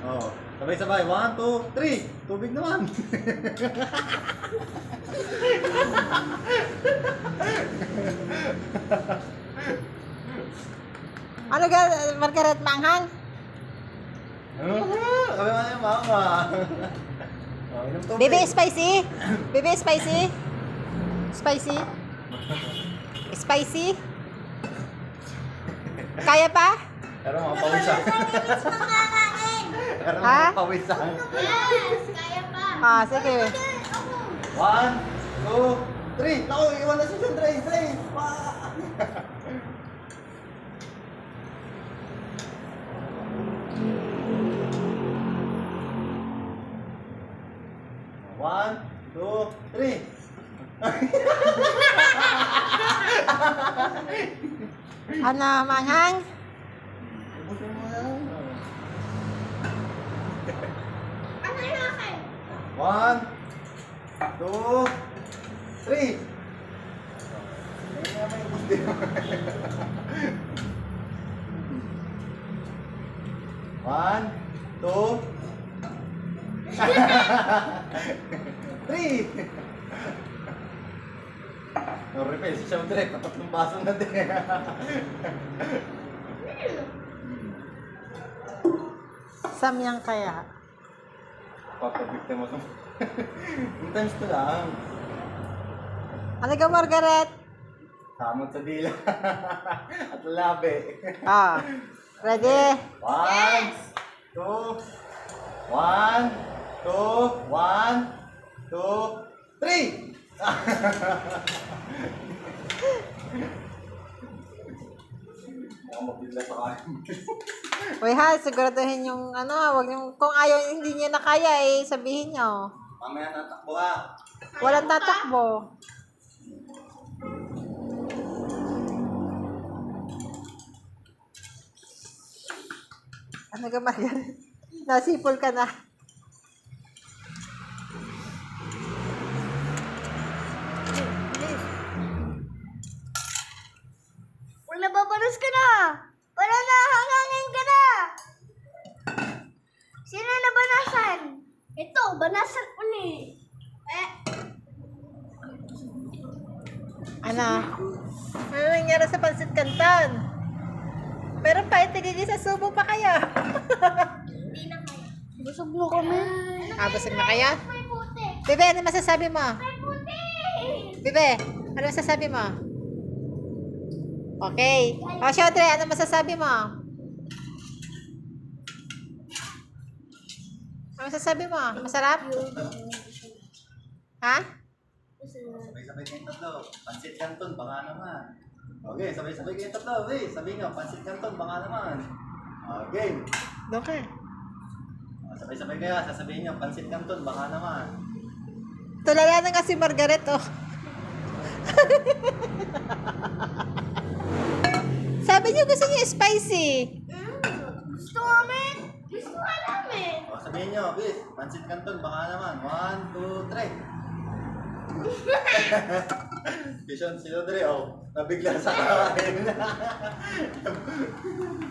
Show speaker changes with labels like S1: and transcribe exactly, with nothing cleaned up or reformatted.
S1: Oh, sabay-sabay. One, two, three. Tubig naman.
S2: Ano ga, Margaret, manghang?
S1: Ano? Kami nga yung mama. Oh, inom tubig.
S2: Baby, spicy? Baby, spicy? Spicy? Spicy? Kaya pa?
S1: Pero mga pawisan. Pero
S2: Ha?
S1: mga pawisan.
S3: Yes, kaya pa.
S2: Ah, sige.
S1: One, two, three. Naku, iwan na si Sandra. Three. One, two, three.
S2: Ano, manghang?
S1: Ubusin mo yan.
S3: Ano yung akin?
S1: One, two, three. Ayun nga may ubus din. One, two, three. No refill si Siyam direct. Tatlong baso na din.
S2: Samyang kaya.
S1: Papabikta mo sa... Sometimes ko lang.
S2: Ano ga, Margaret?
S1: Samot sa dila. At labi.
S2: Ah, ready?
S1: One, two, one, two, one, two, three. Ako mabigla sa kain.
S2: Uy ha, siguraduhin yung ano, wag yung, kung ayaw, hindi niya na kaya eh, sabihin nyo.
S1: Mamaya natakbo ka.
S2: Walang tatakbo. Ano ka, Margaret? Nasipol ka na.
S3: Kung nababalos ka na, para nahangangin ka na. Sino nabanasan? Ito, banasan uli. Eh,
S2: Ano? Ano nangyari sa Pansit Canton? Meron pa, itigigil sa subo pa kaya?
S3: hindi na kaya. Busog mo kami.
S2: Ah, busog na kaya?
S3: May puti.
S2: Bebe, ano masasabi mo?
S3: May puti.
S2: Bebe, ano masasabi mo? Okay. O, Shodre, ano masasabi mo? Ano masasabi mo? Masarap? Ha?
S1: Sabay-sabay kayong tatlo. Pansit Canton, baka naman. Okay, sabay-sabay kayong tatlo. Okay, sabihin nyo, Pansit Canton, baka naman. Okay.
S2: Doon ka.
S1: Ah, sabay-sabay kayo, sasabihin nyo, Pansit Canton, baka naman.
S2: Tulala na nga si Margaret, oh. Sabi niyo gusto niya spicy.
S3: Mm, gusto namin. Gusto ka namin.
S1: O, sabihin nyo, bis, Pansit Canton, baka naman. One, two, three. Vision, sino dre? Oh, nabigla sa kain.